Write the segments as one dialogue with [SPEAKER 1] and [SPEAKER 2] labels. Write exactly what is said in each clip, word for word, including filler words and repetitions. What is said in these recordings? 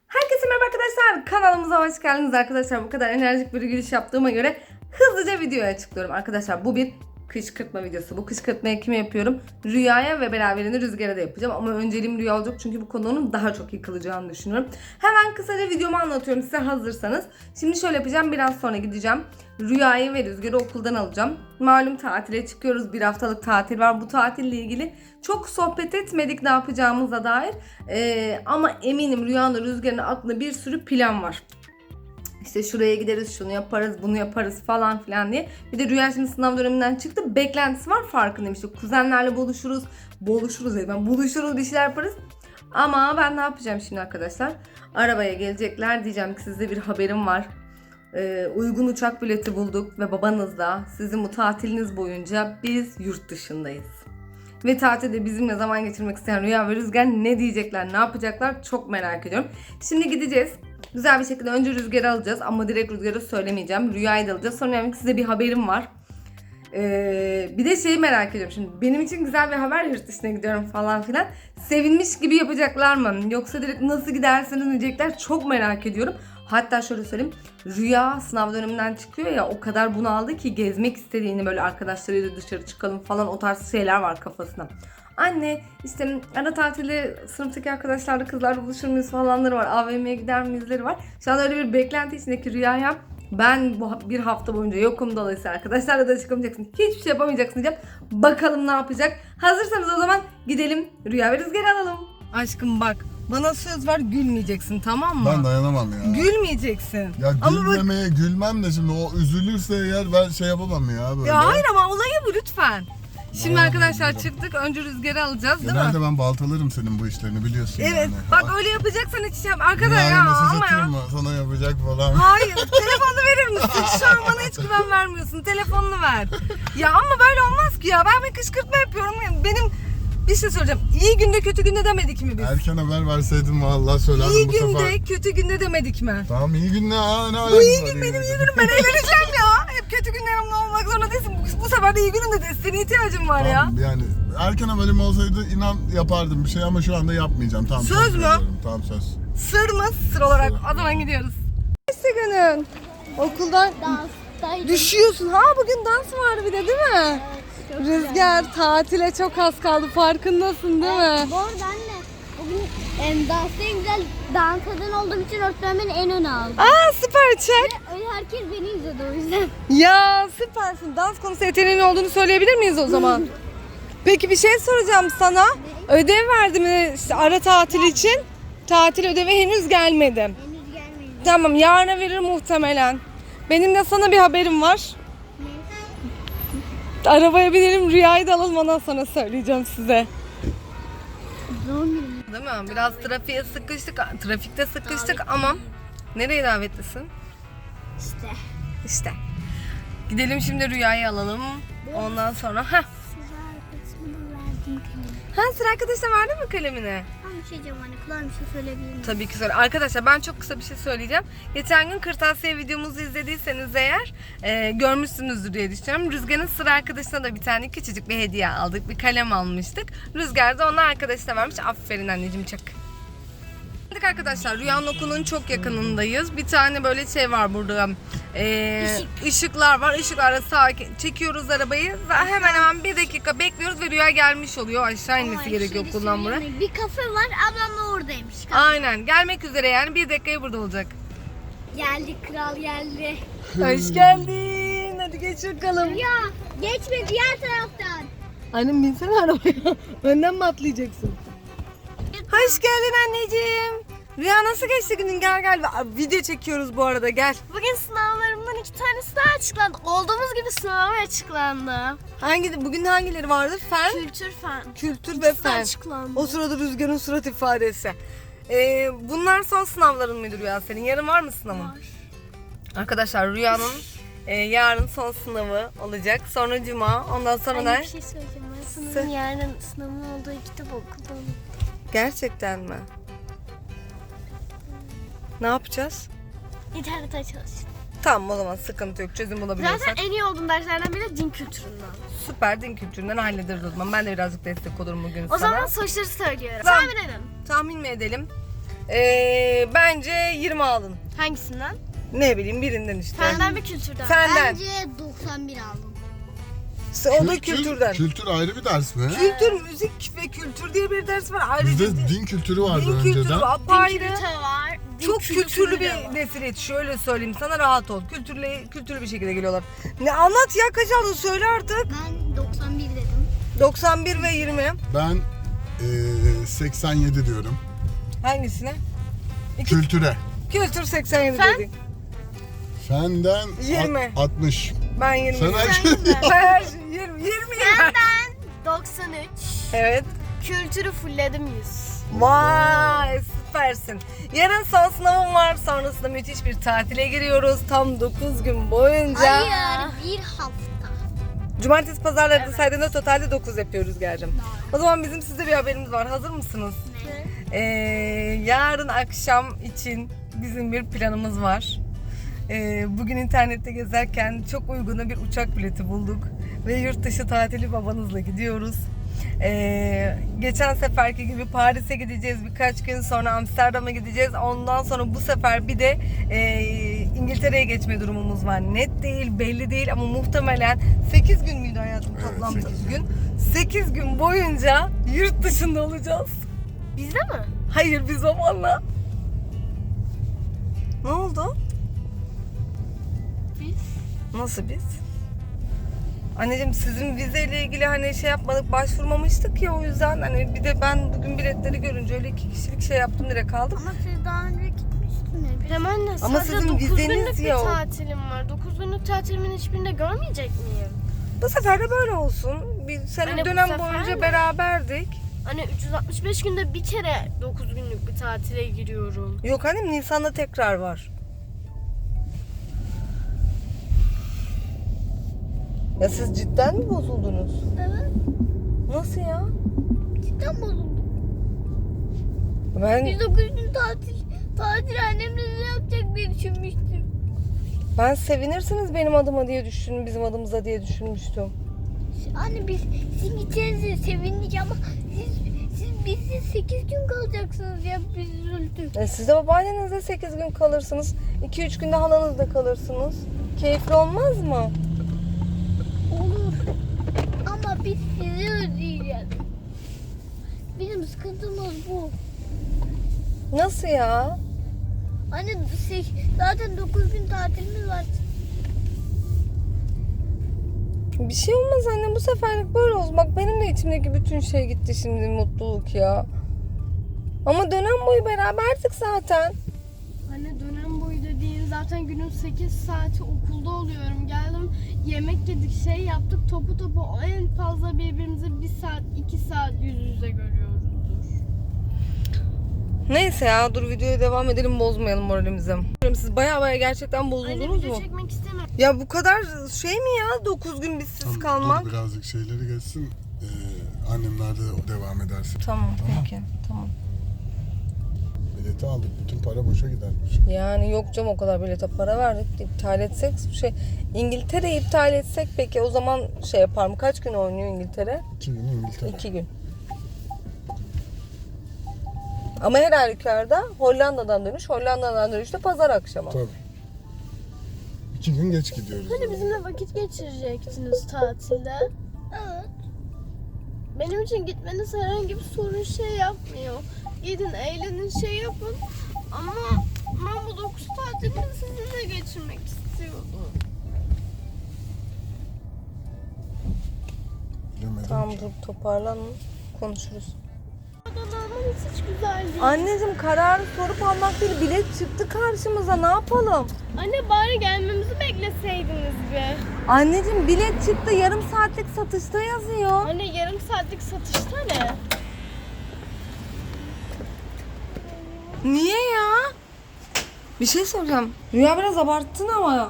[SPEAKER 1] Herkese merhaba arkadaşlar. Kanalımıza hoş geldiniz arkadaşlar. Bu kadar enerjik bir giriş yaptığıma göre hızlıca videoya açıklıyorum. Arkadaşlar bu bir kışkırtma videosu. Bu kışkırtmayı kime yapıyorum? Rüya'ya ve beraberinde Rüzgar'a da yapacağım. Ama önceliğim Rüya olacak çünkü bu konunun daha çok yıkılacağını düşünüyorum. Hemen kısaca videomu anlatıyorum size hazırsanız. Şimdi şöyle yapacağım. Biraz sonra gideceğim. Rüya'yı ve Rüzgar'ı okuldan alacağım. Malum tatile çıkıyoruz. Bir haftalık tatil var. Bu tatille ilgili çok sohbet etmedik ne yapacağımıza dair. Ee, ama eminim Rüya'nın Rüzgar'ın aklında bir sürü plan var. İşte şuraya gideriz, şunu yaparız, bunu yaparız falan filan diye. Bir de Rüya şimdi sınav döneminden çıktı. Beklentisi var, farkındayım. İşte kuzenlerle buluşuruz. Buluşuruz dedim ben. Buluşuruz, bir şeyler yaparız. Ama ben ne yapacağım şimdi arkadaşlar? Arabaya gelecekler. Diyeceğim ki size bir haberim var. Ee, uygun uçak bileti bulduk ve babanızla sizin bu tatiliniz boyunca biz yurt dışındayız. Ve tatilde bizimle zaman geçirmek isteyen Rüya ve Rüzgar ne diyecekler, ne yapacaklar çok merak ediyorum. Şimdi gideceğiz. Güzel bir şekilde önce Rüzgar'ı alacağız ama direkt Rüzgar'ı söylemeyeceğim. Rüya'yı da alacağız. Sonra yani size bir haberim var. Ee, bir de şeyi merak ediyorum şimdi. Benim için güzel bir haber, yurt dışına gidiyorum falan filan. Sevinmiş gibi yapacaklar mı? Yoksa direkt nasıl gidersiniz diyecekler, çok merak ediyorum. Hatta şöyle söyleyeyim. Rüya sınav döneminden çıkıyor ya, o kadar bunaldı ki gezmek istediğini, böyle arkadaşlarıyla dışarı çıkalım falan, o tarz şeyler var kafasında. Anne işte ara tatilde sınıftaki arkadaşlarla, kızlarla buluşur muyuz falanları var. A V M'ye gider miyizleri var. Şu an öyle bir beklenti içindeki Rüya'ya ben bu bir hafta boyunca yokum, dolayısıyla arkadaşlarla da çıkamayacaksın. Hiçbir şey yapamayacaksın diyeceğim. Bakalım ne yapacak. Hazırsanız o zaman gidelim Rüya ve Rüzgar'ı alalım. Aşkım bak, bana söz ver, gülmeyeceksin, tamam mı?
[SPEAKER 2] Ben dayanamam ya.
[SPEAKER 1] Gülmeyeceksin.
[SPEAKER 2] Ya
[SPEAKER 1] ama
[SPEAKER 2] gülmemeye bak... gülmem de şimdi o üzülürse eğer ben şey yapamam ya böyle.
[SPEAKER 1] Ya hayır ama olayı bu lütfen. Şimdi
[SPEAKER 2] Aa,
[SPEAKER 1] arkadaşlar
[SPEAKER 2] güzel.
[SPEAKER 1] çıktık, önce Rüzgar'ı alacağız değil
[SPEAKER 2] Genelde
[SPEAKER 1] mi?
[SPEAKER 2] ben baltalarım senin bu işlerini, biliyorsun
[SPEAKER 1] Evet
[SPEAKER 2] yani.
[SPEAKER 1] bak, öyle yapacaksan hiç şey yap. Arkadaş
[SPEAKER 2] Yani
[SPEAKER 1] ya
[SPEAKER 2] mesaj
[SPEAKER 1] ama
[SPEAKER 2] atayım
[SPEAKER 1] ya.
[SPEAKER 2] mı? Sana yapacak falan.
[SPEAKER 1] Hayır, telefonunu verir misin? Şu an bana hiç güven vermiyorsun. Telefonunu ver. Ya ama böyle olmaz ki ya. Ben bir kışkırtma yapıyorum. Benim bir şey söyleyeceğim. İyi günde kötü günde demedik mi biz?
[SPEAKER 2] Erken haber verseydin vallahi söylerdim
[SPEAKER 1] İyi
[SPEAKER 2] bu
[SPEAKER 1] günde
[SPEAKER 2] sefer.
[SPEAKER 1] kötü günde demedik mi?
[SPEAKER 2] Tamam, iyi gün ne? Aa, ne
[SPEAKER 1] Bu iyi
[SPEAKER 2] alakası
[SPEAKER 1] gün
[SPEAKER 2] var
[SPEAKER 1] benim
[SPEAKER 2] iyi
[SPEAKER 1] iyi günüm. Ben eğleneceğim ya. Hep kötü günlerimde olmak zorunda değilsin. Bu, bu sefer de iyi günümde desteğine ihtiyacım var ya.
[SPEAKER 2] Tamam, yani erken haberim olsaydı inan yapardım bir şey ama şu anda yapmayacağım. Tamam,
[SPEAKER 1] Söz mü?
[SPEAKER 2] veriyorum. Tamam, söz.
[SPEAKER 1] Sır mı? Sır olarak. O zaman gidiyoruz. Neyse günün. Okuldan
[SPEAKER 3] Danstaydım.
[SPEAKER 1] düşüyorsun. Ha bugün dans vardı bir de değil mi?
[SPEAKER 3] Çok
[SPEAKER 1] Rüzgar, tatile çok az kaldı, farkındasın değil mi?
[SPEAKER 3] Bu arada anne, bugün em, dansta en güzel dans eden olduğum için öğretmen beni en öne aldı.
[SPEAKER 1] Aa süper, çek.
[SPEAKER 3] Öyle herkes beni izledi o yüzden.
[SPEAKER 1] Ya süpersin. Dans konusu yeteneğin olduğunu söyleyebilir miyiz o zaman? Peki bir şey soracağım sana. Ödev verdi mi işte ara tatil için? Tatil ödevi henüz gelmedi.
[SPEAKER 3] Henüz gelmedi.
[SPEAKER 1] Tamam, yarına verir muhtemelen. Benim de sana bir haberim var. Arabaya binelim, Rüya'yı da alalım, ondan sonra söyleyeceğim size.
[SPEAKER 3] Doğum günüm.
[SPEAKER 1] Değil mi? Biraz trafiğe sıkıştık, trafikte sıkıştık ama nereye davetlisin?
[SPEAKER 3] İşte.
[SPEAKER 1] İşte. Gidelim şimdi, Rüya'yı alalım. Ondan sonra ha.
[SPEAKER 3] Sıra kısmını verdim kalemi.
[SPEAKER 1] Ha, sıra arkadaşına verdin mi kalemini?
[SPEAKER 3] Tam bir şey diyeceğim anne, kulağım bir şey söyleyebilir miyim?
[SPEAKER 1] Tabii ki söyle. Arkadaşlar ben çok kısa bir şey söyleyeceğim. Geçen gün kırtasiye videomuzu izlediyseniz eğer e, görmüşsünüzdür diye düşünüyorum. Rüzgar'ın sıra arkadaşına da bir tane küçücük bir hediye aldık. Bir kalem almıştık. Rüzgar da ona arkadaşına vermiş. Aferin anneciğim, çak. Arkadaşlar Rüya'nın okulunun çok yakınındayız. Bir tane böyle şey var burada. Ee,
[SPEAKER 3] Işık.
[SPEAKER 1] ışıklar var. Işıklarla sağa çekiyoruz arabayı. Ve hemen hemen bir dakika bekliyoruz ve Rüya gelmiş oluyor. Aşağı inmesi
[SPEAKER 3] Ama
[SPEAKER 1] gerekiyor
[SPEAKER 3] şey
[SPEAKER 1] okuldan buraya.
[SPEAKER 3] söyleyeyim mi? Bir kafe var, ablam da oradaymış. Kafe.
[SPEAKER 1] Aynen, gelmek üzere yani, bir dakikaya burada olacak.
[SPEAKER 3] Geldi, kral geldi.
[SPEAKER 1] Hoş geldin. Hadi geç bakalım.
[SPEAKER 3] Ya geçme diğer taraftan.
[SPEAKER 1] Annem binsene arabaya. Önden mi atlayacaksın? Hoş geldin anneciğim. Rüya nasıl geçti günün? Gel gel. Video çekiyoruz bu arada, gel.
[SPEAKER 3] Bugün sınavlarımdan iki tanesi daha açıklandı. Olduğumuz gibi sınavlar açıklandı.
[SPEAKER 1] Hangi, bugün hangileri vardı? Fen,
[SPEAKER 3] Kültür fen.
[SPEAKER 1] kültür ve fen.
[SPEAKER 3] açıklandı.
[SPEAKER 1] O sırada Rüzgar'ın surat ifadesi. Ee, bunlar son sınavların mıydı Rüya senin? Yarın var mı sınavın?
[SPEAKER 3] Var.
[SPEAKER 1] Arkadaşlar Rüya'nın e, yarın son sınavı olacak. Sonra cuma. Ondan sonra
[SPEAKER 3] Anne
[SPEAKER 1] ne?
[SPEAKER 3] bir şey söyleyeceğim. Ben
[SPEAKER 1] Sö-
[SPEAKER 3] sınavın yarın sınavın olduğu kitap okudum.
[SPEAKER 1] Gerçekten mi? Ne yapacağız?
[SPEAKER 3] İnternete çalıştım.
[SPEAKER 1] Tamam, o zaman sıkıntı yok. Çözüm bulabiliyorsak.
[SPEAKER 3] Zaten en iyi olduğum derslerden biri din kültüründen.
[SPEAKER 1] Süper, din kültüründen hallederiz o zaman. Ben de birazcık destek olurum bugün
[SPEAKER 3] O
[SPEAKER 1] sana.
[SPEAKER 3] zaman sonuçları söylüyorum.
[SPEAKER 1] Tamam.
[SPEAKER 3] Tahmin edin.
[SPEAKER 1] Tahmin mi edelim? Ee, bence yirmi alın.
[SPEAKER 4] Hangisinden?
[SPEAKER 1] Ne bileyim birinden işte.
[SPEAKER 4] Fenden mi kültürden?
[SPEAKER 1] Senden.
[SPEAKER 3] Bence doksan bir aldım.
[SPEAKER 1] O da kültürden.
[SPEAKER 2] Kültür ayrı bir ders mi?
[SPEAKER 1] Kültür, müzik ve kültür diye bir ders var. Ayrıca
[SPEAKER 2] Bizde din kültürü vardı
[SPEAKER 1] din kültürü
[SPEAKER 2] önceden.
[SPEAKER 1] apayrı.
[SPEAKER 4] Kültürü var. din
[SPEAKER 1] Çok
[SPEAKER 4] kültürü
[SPEAKER 1] kültürlü
[SPEAKER 4] de
[SPEAKER 1] bir
[SPEAKER 4] var.
[SPEAKER 1] nesil yetişiyor. Öyle söyleyeyim sana, rahat ol. Kültürlü, kültürlü bir şekilde geliyorlar. Ne anlat ya, kaç aldın söyle artık.
[SPEAKER 3] Ben doksan bir dedim.
[SPEAKER 1] doksan bir ve yirmi.
[SPEAKER 2] Ben eee, seksen yedi diyorum.
[SPEAKER 1] Hangisine? İki,
[SPEAKER 2] Kültüre.
[SPEAKER 1] kültür seksen yedi
[SPEAKER 4] Sen?
[SPEAKER 1] dedin.
[SPEAKER 2] Fenden
[SPEAKER 1] Yirmi.
[SPEAKER 2] alt- altmış.
[SPEAKER 1] Ben yirmi.
[SPEAKER 2] Sen her
[SPEAKER 4] Sen
[SPEAKER 2] şey...
[SPEAKER 4] mi?
[SPEAKER 1] Ben her şey yirmi. yirmi.
[SPEAKER 4] Ben doksan üç.
[SPEAKER 1] Evet.
[SPEAKER 4] Kültürü fullledim yüz.
[SPEAKER 1] Vay süpersin. Yarın son sınavım var. Sonrasında müthiş bir tatile giriyoruz. Tam dokuz gün boyunca.
[SPEAKER 3] Hayır, bir hafta.
[SPEAKER 1] Cumartesi pazarları da saydığında totalde dokuz yapıyoruz Gercim. O zaman bizim size bir haberimiz var. Hazır mısınız? Ee, yarın akşam için bizim bir planımız var. Ee, bugün internette gezerken çok uyguna bir uçak bileti bulduk. Ve yurt dışı tatili babanızla gidiyoruz. Ee, geçen seferki gibi Paris'e gideceğiz, birkaç gün sonra Amsterdam'a gideceğiz. Ondan sonra bu sefer bir de e, İngiltere'ye geçme durumumuz var. Net değil, belli değil ama muhtemelen sekiz gün müydü hayatım toplam?
[SPEAKER 2] Evet,
[SPEAKER 1] sekiz gün. sekiz gün boyunca yurt dışında olacağız.
[SPEAKER 4] Bizde mi?
[SPEAKER 1] Hayır, biz babanla. Ne oldu?
[SPEAKER 4] Biz.
[SPEAKER 1] Nasıl biz? Anneciğim sizin vizeyle ilgili hani şey yapmadık, başvurmamıştık ya, o yüzden hani bir de ben bugün biletleri görünce öyle iki kişilik şey yaptım, direkt aldım.
[SPEAKER 3] Ama siz daha önce gitmiştiniz.
[SPEAKER 4] İrem anne
[SPEAKER 1] Ama
[SPEAKER 4] sadece
[SPEAKER 1] sizin
[SPEAKER 4] dokuz
[SPEAKER 1] vizeniz
[SPEAKER 4] günlük bir
[SPEAKER 1] yok.
[SPEAKER 4] tatilim var. dokuz günlük tatilimin hiçbirinde görmeyecek miyim?
[SPEAKER 1] Bu sefer de böyle olsun. Bir sene
[SPEAKER 4] Hani bu
[SPEAKER 1] dönem
[SPEAKER 4] sefer
[SPEAKER 1] boyunca
[SPEAKER 4] mi?
[SPEAKER 1] beraberdik.
[SPEAKER 4] Hani üç yüz altmış beş günde bir kere dokuz günlük bir tatile giriyorum.
[SPEAKER 1] Yok annem, Nisan'da tekrar var. Ya siz cidden mi bozuldunuz?
[SPEAKER 3] Evet.
[SPEAKER 1] Nasıl ya?
[SPEAKER 3] Cidden bozuldum.
[SPEAKER 1] Ben
[SPEAKER 3] Biz dokuz gün tatil, tatil annemle ne yapacak diye düşünmüştüm.
[SPEAKER 1] ben sevinirsiniz benim adıma diye düşündüm, bizim adımıza diye düşünmüştüm.
[SPEAKER 3] Anne biz sizin gideceğinize sevindik ama siz, siz bizde sekiz gün kalacaksınız ya, biz üzüldük.
[SPEAKER 1] E siz de babaannenizle sekiz gün kalırsınız. iki üç günde halanızda kalırsınız. Keyifli olmaz mı?
[SPEAKER 3] Olur. Ama biz sizi özleyeceğiz. Bizim sıkıntımız bu.
[SPEAKER 1] Nasıl ya?
[SPEAKER 3] Anne şey, zaten dokuz gün tatilimiz var.
[SPEAKER 1] Bir şey olmaz anne, bu seferlik böyle olsun. Bak benim de içimdeki bütün şey gitti şimdi, mutluluk ya. Ama dönem boyu beraberdik zaten.
[SPEAKER 4] Anne dönem boyu dediğin zaten günün sekiz saati okulda oluyorum. Geldim yemek yedik, şey yaptık, topu topu en fazla birbirimizi bir saat iki saat yüz yüze görüyoruzdur.
[SPEAKER 1] Neyse ya, dur videoya devam edelim, bozmayalım moralimizi. Siz baya baya gerçekten
[SPEAKER 4] Anne
[SPEAKER 1] bozuldunuz
[SPEAKER 4] video
[SPEAKER 1] mu?
[SPEAKER 4] çekmek istemiyorum.
[SPEAKER 1] Ya bu kadar şey mi ya, dokuz gün bizsiz
[SPEAKER 2] Tamam,
[SPEAKER 1] kalmak?
[SPEAKER 2] dur birazcık şeyleri geçsin. Ee, annemler de devam edersin.
[SPEAKER 1] Tamam peki, tamam.
[SPEAKER 2] Bileti aldık. Bütün para boşa gidermiş.
[SPEAKER 1] Yani yok canım, o kadar bilete para verdik. İptal etsek şey, İngiltere'yi iptal etsek peki o zaman şey yapar mı? Kaç gün oynuyor İngiltere?
[SPEAKER 2] İki gün İngiltere.
[SPEAKER 1] İki gün. Ama her halükarda Hollanda'dan dönüş, Hollanda'dan dönüş de pazar akşamı.
[SPEAKER 2] Tabii. İki gün geç gidiyoruz.
[SPEAKER 4] Hani bizimle vakit geçirecektiniz tatilde.
[SPEAKER 3] Evet.
[SPEAKER 4] Benim için gitmeniz herhangi bir sorun şey yapmıyor. Gidin, eğlenin, şey yapın. Ama ben bu dokuz tatilini sizinle geçirmek istiyordum.
[SPEAKER 2] Bilemedim
[SPEAKER 1] Tamam
[SPEAKER 2] ki.
[SPEAKER 1] dur, toparlanın, konuşuruz.
[SPEAKER 4] Adalarmanız hiç güzel değil.
[SPEAKER 1] Anneciğim, kararı sorup almak değil, bilet çıktı karşımıza, ne yapalım?
[SPEAKER 4] Anne bari gelmemizi bekleseydiniz be.
[SPEAKER 1] Anneciğim bilet çıktı, yarım saatlik satışta yazıyor.
[SPEAKER 4] Anne yarım saatlik satışta ne?
[SPEAKER 1] Niye ya? Bir şey soracağım. Rüya biraz abarttın ama ya.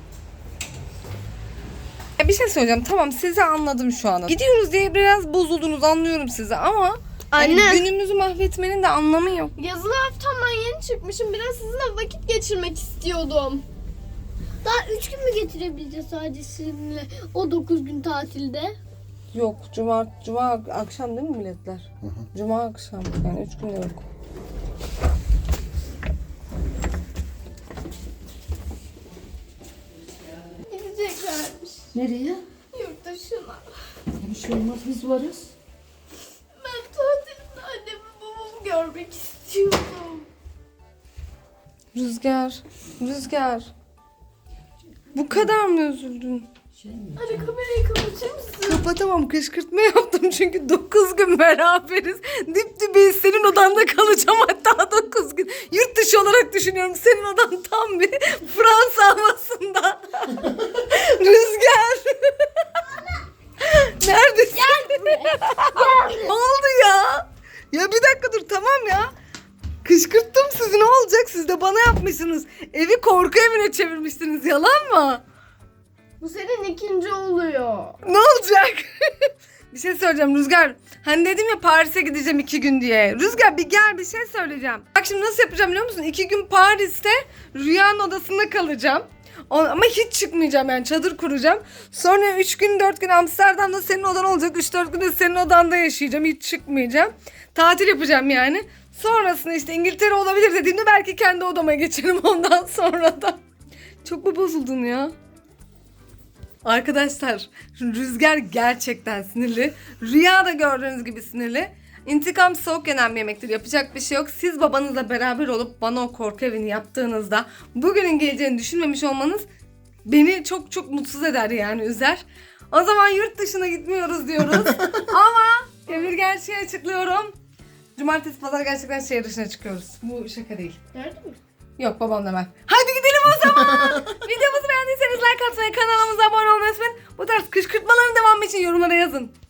[SPEAKER 1] Ya bir şey söyleyeceğim. Tamam, sizi anladım şu anda. Gidiyoruz diye biraz bozuldunuz, anlıyorum sizi ama hani
[SPEAKER 4] Anne.
[SPEAKER 1] günümüzü mahvetmenin de anlamı yok.
[SPEAKER 4] Yazılı haftamdan yeni çıkmışım. Biraz sizinle vakit geçirmek istiyordum.
[SPEAKER 3] Daha üç gün mü getirebileceğiz sadece sizinle o dokuz gün tatilde?
[SPEAKER 1] Yok, cuma cuma akşam değil mi biletler?
[SPEAKER 2] Hı hı.
[SPEAKER 1] Cuma akşam, yani üç günde yok.
[SPEAKER 5] Nereye?
[SPEAKER 4] Yurt dışına.
[SPEAKER 5] Ya bir şey olmaz, biz varız.
[SPEAKER 4] Ben tatilde annemi babamı görmek istiyorum.
[SPEAKER 1] Rüzgar, Rüzgar. Bu kadar mı üzüldün?
[SPEAKER 5] Şey mi?
[SPEAKER 4] Hadi kamerayı kapatır mısın?
[SPEAKER 1] Kapatamam, kışkırtma yaptım çünkü dokuz gün beraberiz. Dip dibeyiz, senin odanda kalacağım hatta dokuz gün. Yurt dışı olarak düşünüyorum, senin odan tam bir Fransa havasında. Rüzgar. Neredesin? Ne oldu ya? Ya bir dakika dur, tamam ya. Kışkırttım sizi, ne olacak? Siz de bana yapmışsınız. Evi korku evine çevirmişsiniz, yalan mı?
[SPEAKER 4] Bu senin ikinci oluyor.
[SPEAKER 1] Ne olacak? Bir şey söyleyeceğim Rüzgar. Hani dedim ya Paris'e gideceğim iki gün diye. Rüzgar bir gel, bir şey söyleyeceğim. Bak şimdi nasıl yapacağım biliyor musun? İki gün Paris'te Rüya'nın odasında kalacağım. O- Ama hiç çıkmayacağım, yani çadır kuracağım. Sonra üç gün dört gün Amsterdam'da senin odan olacak. üç dört gün de senin odanda yaşayacağım. Hiç çıkmayacağım. Tatil yapacağım yani. Sonrasında işte İngiltere olabilir dediğimde belki kendi odama geçerim ondan sonra da. Çok mu bozuldun ya? Arkadaşlar Rüzgar gerçekten sinirli. Rüya da gördüğünüz gibi sinirli. İntikam soğuk yenen bir yemektir. Yapacak bir şey yok. Siz babanızla beraber olup bana o korku evini yaptığınızda bugünün geleceğini düşünmemiş olmanız beni çok çok mutsuz eder, yani üzer. O zaman yurt dışına gitmiyoruz diyoruz. Ama bir gerçeği açıklıyorum. Cumartesi pazar gerçekten şehir dışına çıkıyoruz. Bu şaka değil.
[SPEAKER 4] Nerede mi?
[SPEAKER 1] Yok, babamla ben. Hadi gidelim o zaman. Videomuzu beğendiyseniz like atmayı, kanalımıza abone olmayı unutmayın. Bu tarz kışkırtmaların devamı için yorumlara yazın.